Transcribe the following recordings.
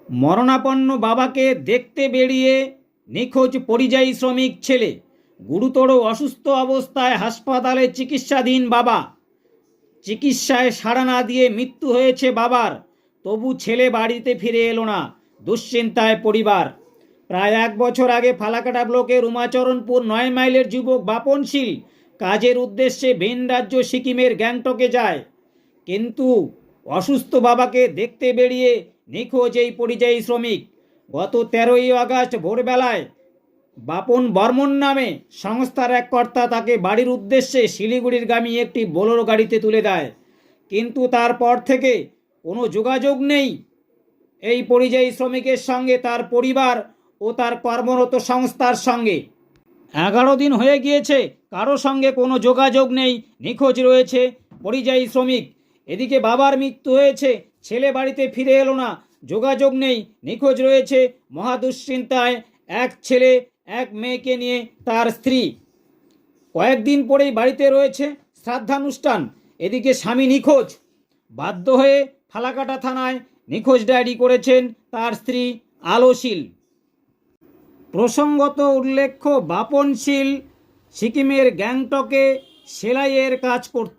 মরণাপন্ন বাবাকে দেখতে বেরিয়ে নিখোঁজ পরিযায়ী শ্রমিক ছেলে। গুরুতর অসুস্থ অবস্থায় হাসপাতালে চিকিৎসাধীন বাবা। চিকিৎসায় সাড়া না দিয়ে মৃত্যু হয়েছে বাবার, তবু ছেলে বাড়িতে ফিরে এলো না। দুশ্চিন্তায় পরিবার। প্রায় 1 বছর আগে ফালাকাটা ব্লকের উমাচরণপুর 9 মাইলের যুবক বাপন শীল কাজের উদ্দেশ্যে ভিন রাজ্য সিকিমের গ্যাংটকে যায়, কিন্তু অসুস্থ বাবাকে দেখতে বেরিয়ে নিখোঁজ এই পরিযায়ী শ্রমিক। গত 13ই আগস্ট ভোরবেলায় বাপন বর্মন নামে সংস্থার এক কর্তা তাকে বাড়ির উদ্দেশ্যে শিলিগুড়িরগামী একটি বোলেরো গাড়িতে তুলে দেয়, কিন্তু তারপর থেকে কোনো যোগাযোগ নেই এই পরিযায়ী শ্রমিকের সঙ্গে, তার পরিবার ও তার কর্মরত সংস্থার সঙ্গে। 11 দিন হয়ে গিয়েছে, কারো সঙ্গে কোনো যোগাযোগ নেই, নিখোঁজ রয়েছে পরিযায়ী শ্রমিক। এদিকে বাবার মৃত্যু হয়েছে, ছেলে বাড়িতে ফিরে এলো না, যোগাযোগ নেই, নিখোঁজ রয়েছে। মহা দুশ্চিন্তায় এক ছেলে এক মেয়েকে নিয়ে তার স্ত্রী। কয়েকদিন পরেই বাড়িতে রয়েছে শ্রাদ্ধানুষ্ঠান, এদিকে স্বামী নিখোঁজ। বাধ্য হয়ে ফালাকাটা থানায় নিখোঁজ ডায়েরি করেছেন তার স্ত্রী আলো শীল। প্রসঙ্গত উল্লেখ্য, বাপন শীল সিকিমের গ্যাংটকে সেলাইয়ের কাজ করত।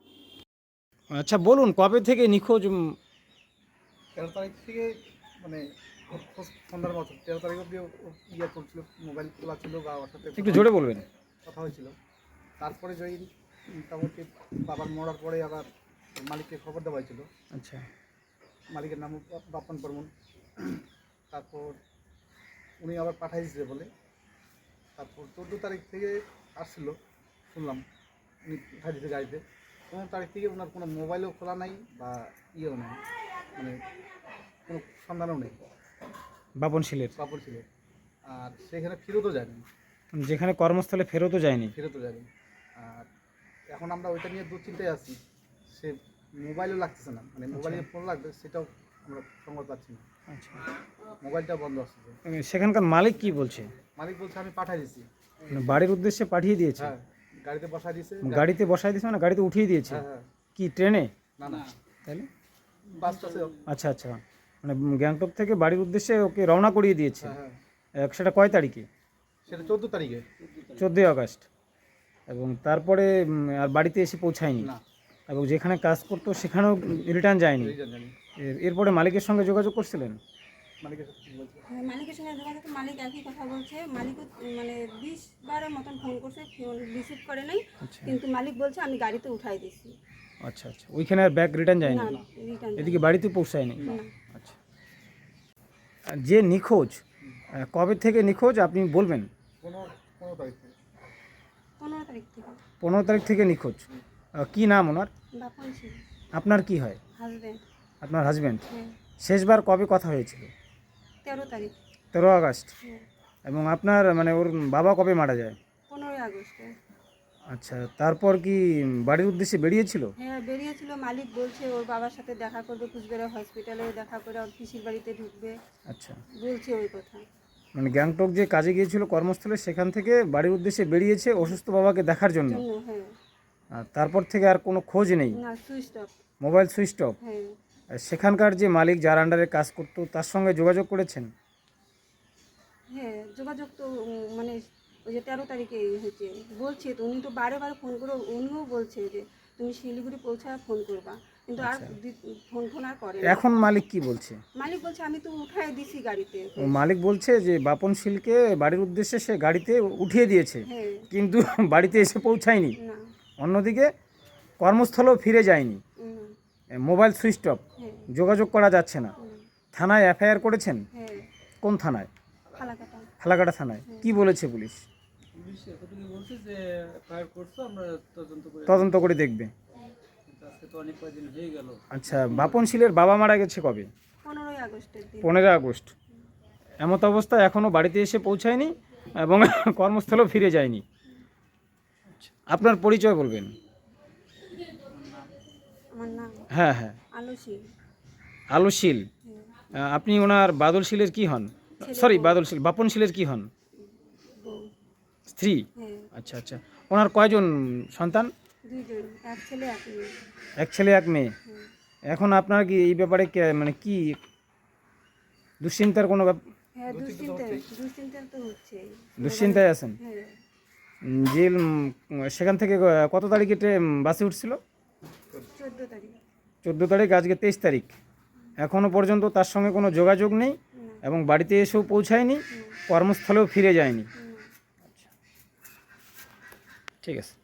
আচ্ছা বলুন, কবে থেকে নিখোঁজ? 13 তারিখ থেকে, মানে সন্ধ্যার মতো 13 তারিখ অব্দি ইয়ে চলছিল, মোবাইল খোলা ছিল বা ওর সাথে একটু জোরে বলবেন। কথা হয়েছিল। তারপরে জয়ী মোটামুটি বাবার মরার পরে আবার মালিককে খবর দেওয়া হয়েছিল। আচ্ছা, মালিকের নাম বাপন বর্মন। তারপর উনি আবার পাঠাই দিয়েছে বলে, তারপর 14 তারিখ থেকে আসছিল শুনলাম, উনি পাঠাই দিয়েছে গাড়িতে। 15 তারিখ থেকে ওনার কোনো মোবাইলও খোলা নাই বা ইয়েও নেই, মানে কোনো সন্ধানও নেই বাপন শীলের। কাপড় ছিল। আর সেখানে ফেরতও যায়নি, যেখানে কর্মস্থলে ফেরতও যায়নি। আর এখন আমরা ওইটা নিয়ে দুশ্চিন্তায় আছি। সে মোবাইলও লাগতেছে না, মানে মোবাইলে ফোন লাগবে সেটাও আমরা সংবাদ পাচ্ছি না। আচ্ছা, মোবাইলটা বন্ধ আসছে। সেখানকার মালিক কি বলছে? মালিক বলছে আমি পাঠাই দিছি। মানে বাড়ির উদ্দেশ্যে পাঠিয়ে দিয়েছে? হ্যাঁ, গাড়িতে বসাই দিয়েছে। গাড়িতে বসাই দিয়েছে মানে গাড়িতে উঠিয়ে দিয়েছে? হ্যাঁ হ্যাঁ। কি ট্রেনে? না না, তাহলে বাসটা। আচ্ছা আচ্ছা, মানে গ্যাংটক থেকে বাড়ির উদ্দেশ্যে ওকে রওনা করিয়ে দিয়েছে। হ্যাঁ হ্যাঁ, সেটা কয় তারিখে? সেটা 14 তারিখে। 14ই আগস্ট। এবং তারপরে আর বাড়িতে এসে পৌঁছায়নি? না, এবং যেখানে কাজ করতো সেখানেও রিটার্ন যায়নি? জানি। এরপরে মালিকের সঙ্গে যোগাযোগ করছিলেন? মালিকের সাথে কি বলছে? হ্যাঁ, মালিকের সঙ্গে যোগাযোগ, মালিক একই কথা বলছে। মালিকও মানে 20 বারের মতন ফোন করছে, ফোন রিসিভ করে নাই। আচ্ছা কিন্তু মালিক বলছে আমি গাড়িতে উঠাই দিছি। আচ্ছা আচ্ছা, ওইখানে আর ব্যাগ রিটার্ন যায়নি? না, রিটার্ন এদিকে বাড়িতে পৌঁছায়নি? না। আচ্ছা, আর যে নিখোঁজ, কবে থেকে নিখোঁজ আপনি বলবেন? 15 তারিখ থেকে। 15 তারিখ থেকে। 15 তারিখ থেকে নিখোঁজ। কি নাম ওনার? বাপন ছিল আপনার কি হয়? হাজব্যান্ড। আপনার হাজব্যান্ড। হ্যাঁ, শেষবার কবে কথা হয়েছিল? 13 তারিখ। 13 আগস্ট। হ্যাঁ, এবং আপনার মানে ওর বাবা কবে মারা যায়? 15 আগস্টে। আচ্ছা, তারপর কি বাড়ির উদ্দেশ্যে বেরিয়েছিল? হ্যাঁ, বেরিয়েছিল। মালিক বলছে ওর বাবার সাথে দেখা করবে, কুচবিহার হসপিটালে দেখা করে ওর পিসির বাড়িতে ঢুকবে, আচ্ছা, বলছে ওই কথা। মানে গ্যাংটক যে কাজে গিয়েছিল কর্মস্থলে, সেখান থেকে বাড়ির উদ্দেশ্যে বেরিয়েছে অসুস্থ বাবাকে দেখার জন্য। হ্যাঁ, আর তারপর থেকে আর কোনো খোঁজ নেই? না, switch off. Mobile switch off. হ্যাঁ, আর সেখানকার যে মালিক, যার আন্ডারে কাজ করতো, তার সঙ্গে যোগাযোগ করেছেন? হ্যাঁ, যোগাযোগ তো মানে ওই যে 13 তারিখে হয়েছে বলছে, তো উনি তো বারে বারে ফোন করে, উনিও বলছে যে তুমি শিলিগুড়ি পৌঁছায় ফোন করবা, কিন্তু আর ফোন আর করে না। এখন মালিক কি বলছে? মালিক বলছে আমি তো উঠায় দিছি গাড়িতে। ও মালিক বলছে যে বাপন শীলকে বাড়ির উদ্দেশ্যে সে গাড়িতে উঠিয়ে দিয়েছে, হ্যাঁ, কিন্তু বাড়িতে এসে পৌঁছায়নি। না, অন্যদিকে কর্মস্থলেও ফিরে যায়নি। মোবাইল সুইচ অফ, হ্যাঁ, যোগাযোগ করা যাচ্ছে না। থানায় এফআইআর করেছেন? হ্যাঁ, কোন থানায়? ফালাকাটা। ফালাকাটা থানায়। কি বলেছে পুলিশ? পুলিশ এতটুকু বলছে যে ফায়ার করছো, আমরা তদন্ত করে দেখবে। আজকে তো অনেক কয়েকদিন হয়ে গেল। আচ্ছা, বাপন শীলের বাবা মারা গেছে কবে? 15 আগস্টের দিন। 15 আগস্ট। এমত অবস্থা এখনও বাড়িতে এসে পৌঁছায়নি এবং কর্মস্থলেও ফিরে যায়নি। আপনার পরিচয় বলবেন? আমার নাম হ্যাঁ হ্যাঁ, আলসী। আলো শীল। আপনি ওনার বাদল শীলের কি হন? সরি, বাদল শীল, বাপন শীলের কি হন? বউ। স্ত্রী। হ্যাঁ, আচ্ছা আচ্ছা, ওনার কয়জন সন্তান? 2 জন, এক ছেলে এক মেয়ে। এক ছেলে এক মেয়ে। হ্যাঁ, এখন আপনার কি এই ব্যাপারে মানে কি দুশ্চিন্তার কোনো হ্যাঁ দুশ্চিন্তা তো হচ্ছে। দুশ্চিন্তায় আছেন? হ্যাঁ জিল সেখান থেকে কত তারিখে বাসে উঠছিল? 14 তারিখ। 14 তারিখ, আজকে 23 তারিখ। এখনও পর্যন্ত তার সঙ্গে কোনো যোগাযোগ নেই না, এবং বাড়িতে এসেও পৌঁছায়নি, কর্মস্থলেও ফিরে যায়নি। না। ঠিক আছে।